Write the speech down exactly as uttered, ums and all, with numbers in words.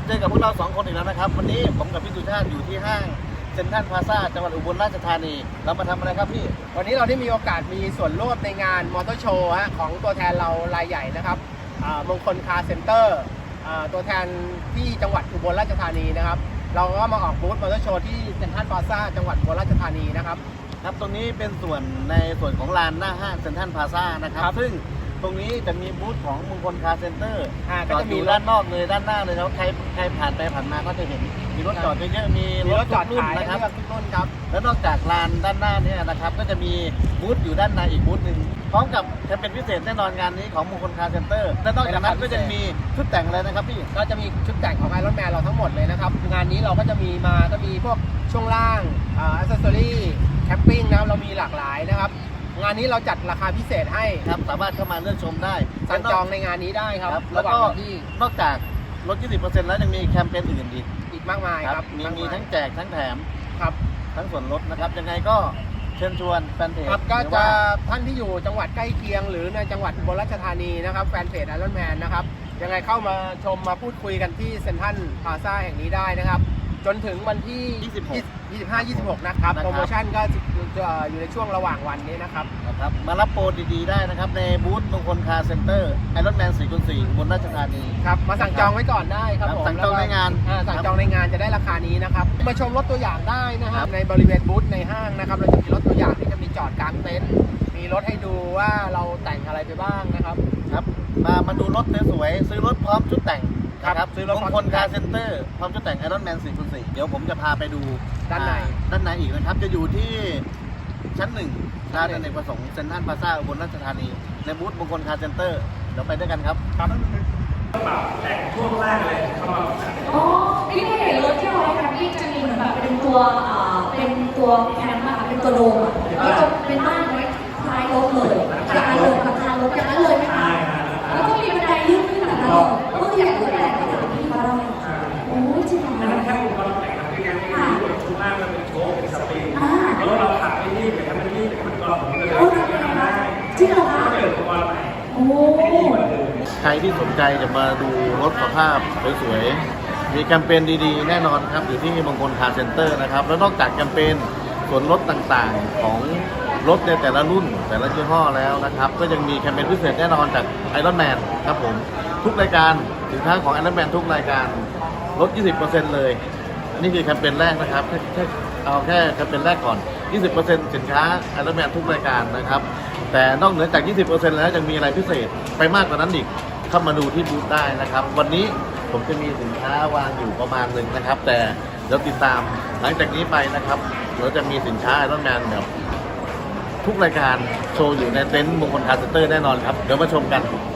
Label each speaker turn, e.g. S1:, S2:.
S1: เจอกับพวกเราสองคนอีกแล้วนะครับวันนี้ผมกับพี่สุชาติอยู่ที่ห้างเซ็นทรัลพลาซ่าจังหวัดอุบลราชธานีเรามาทำอะไรครับพี่
S2: วันนี้เราได้มีโอกาสมีส่วนร่วมในงานมอเตอร์โชว์ฮะของตัวแทนเรารายใหญ่นะครับมงคลคาร์เซ็นเตอร์ตัวแทนที่จังหวัดอุบลราชธานีนะครับเราก็มาออกบูธมอเตอร์โชว์ที่เซ็นทรัลพลาซ่าจังหวัดอุบลราชธานีนะครับ
S1: ครับตรงนี้เป็นส่วนในส่วนของลานหน้าห้างเซ็นทรัลพลาซ่านะครับซึ่งตรงนี้จะมีบูธของมงคลคาร์เซ็นเตอร์ก็จะมีด้านนอกเลยด้านหน้าเลยแล้วใครใครผ่านไปผ่านมาก็จะเห็นมีรถจอดเยอะๆมี
S2: รถจอด
S1: รุ่นนะครับทุกรุ่นครับแล้วนอกจากลานด้านหน้านี้นะครับก็จะมีบูธอยู่ด้านในอีกบูธหนึ่งพร้อมกับแคมเปญพิเศษแน่นอนงานนี้ของมงคลคาร์เซ็นเตอร์และนอกจากนั้นก็จะมีชุดแต่งอะไรนะครับพี่
S2: ก็จะมีชุดแต่งของไอรอนแมนเราทั้งหมดเลยนะครับงานนี้เราก็จะมีมาก็มีพวกช่วงล่างอ่าอัซเซอรี่แคมปิ้งนะครับเรามีหลากหลายนะครับงานนี้เราจัดราคาพิเศษให้
S1: ครับสามารถเข้ามาเลือกชมได้
S2: สั่งจองในงานนี้ได้ครับ
S1: แล้วก็นอกจากลด ยี่สิบเปอร์เซ็นต์ แล้วยังมีแคมเปญอื่นอีก
S2: อีกมากมายครับ
S1: มีมีทั้งแจกทั้งแถม
S2: ครับ
S1: ทั้งส่วนลดนะครับยังไงก็เชิญชวนแฟนเพจ
S2: ครับก็จะท่านที่อยู่จังหวัดใกล้เคียงหรือในจังหวัดอุบลราชธานีนะครับแฟนเพจไอรอนแมนนะครับยังไงเข้ามาชมมาพูดคุยกันที่เซ็นทรัลพลาซ่าแห่งนี้ได้นะครับจนถึงวันที่ยี่สิบหก ยี่สิบห้า ยี่สิบหกนะครับโปรโมชั่นก็อยู่ในช่วงระหว่างวันนี้นะครับ
S1: นะครับมารับโปรดีๆได้นะครับในบูธมงคลคาร์เซ็นเตอร์ไอรอนแมน สี่คูณสี่ บนราชธานี
S2: ครับมาสั่งจองไว้ก่อนได้ครับผม
S1: สั่งจองในงาน
S2: สั่งจองในงานจะได้ราคานี้นะครับมาชมรถตัวอย่างได้นะครับในบริเวณบูธในห้างนะครับเราจะมีรถตัวอย่างที่จะมีจอดกลางเต็นท์มีรถให้ดูว่าเราแต่งอะไรไปบ้างนะครับ
S1: ครับมามาดูรถสวยๆซื้อรถพร้อมชุดแต่งครับซื้อรถมงคลคาร์เซ็นเตอร์พร้อมชุดแต่งไอรอนแมน สี่คูณสี่ เดี๋ยวผมจะพาไปดู
S2: ด้านใน
S1: ด้านในอีกนะครับจะอยู่ที่ชั้นหนึ่งร้านอเนกประสงค์เซ็นทรัลพลาซ่าอุบลราชธานีในบูธมงคลคาร์เซ็นเตอร์เดี๋ยวไปด้วยกันครับ
S2: ครับ
S3: แต่งช่วงล่างเลยเข้ามา
S4: อ๋อพี่ก็เห็นรถที่เราให้แคมปิ้งจะมีเหมือนแบบเป็นตัวอ่าเป็นตัวแคมป์อะค่ะเป็นตัวโดมอะแล้วก็เป็นบ้านไว้ท้ายรถเลยอย่างนั้นเลยกับทางรถอย่างนั้นเลยไหมคะแล้วก็มีบันไดลื่นขึ้นแบบนั้นเลยก็คืออยากรู้แต่ก็ถามพี่เขาได้โอ้ยจริงเหรอ
S3: มันแค่อุปกรณ์แต่งที่งานที่อยู่ช่วงล่างมันเป็นโชว์เป็นสปริงแล้วเราขับไปที่แบบมันที่มันกรอบผมเลย
S4: จริงเหรอคะ
S3: เปิดอุปกรณ์ใหม่
S4: โอ้
S1: ใครที่สนใจจะมาดูรถสภาพสวยๆมีแคมเปญดีๆแน่นอนครับอยู่ที่มงคลคาร์เซ็นเตอร์นะครับแล้วนอกจากแคมเปญส่วนลดต่างๆของรถในแต่ละรุ่นแต่ละยี่ห้อแล้วนะครับก็ยังมีแคมเปญพิเศษแน่นอนจากไอรอนแมนครับผมทุกรายการสินค้าของไอรอนแมนทุกรายการลด ยี่สิบเปอร์เซ็นต์ เลยนี่คือแคมเปญแรกนะครับแค่แค่เอาแค่แคมเปญแรกก่อน ยี่สิบเปอร์เซ็นต์ สินค้าไอรอนแมนทุกรายการนะครับแต่นอกเหนือจาก ยี่สิบเปอร์เซ็นต์ แล้วยังมีอะไรพิเศษไปมากกว่านั้นอีกเข้ามาดูที่บูธได้นะครับวันนี้ผมจะมีสินค้าวางอยู่ประมาณหนึ่งนะครับแต่เดี๋ยวติดตามหลังจากนี้ไปนะครับเราจะมีสินค้าไอรอนแมนแบบทุกรายการโชว์อยู่ในเต็นท์มงคลคาร์เซ็นเตอร์แน่นอนครับเดี๋ยวมาชมกัน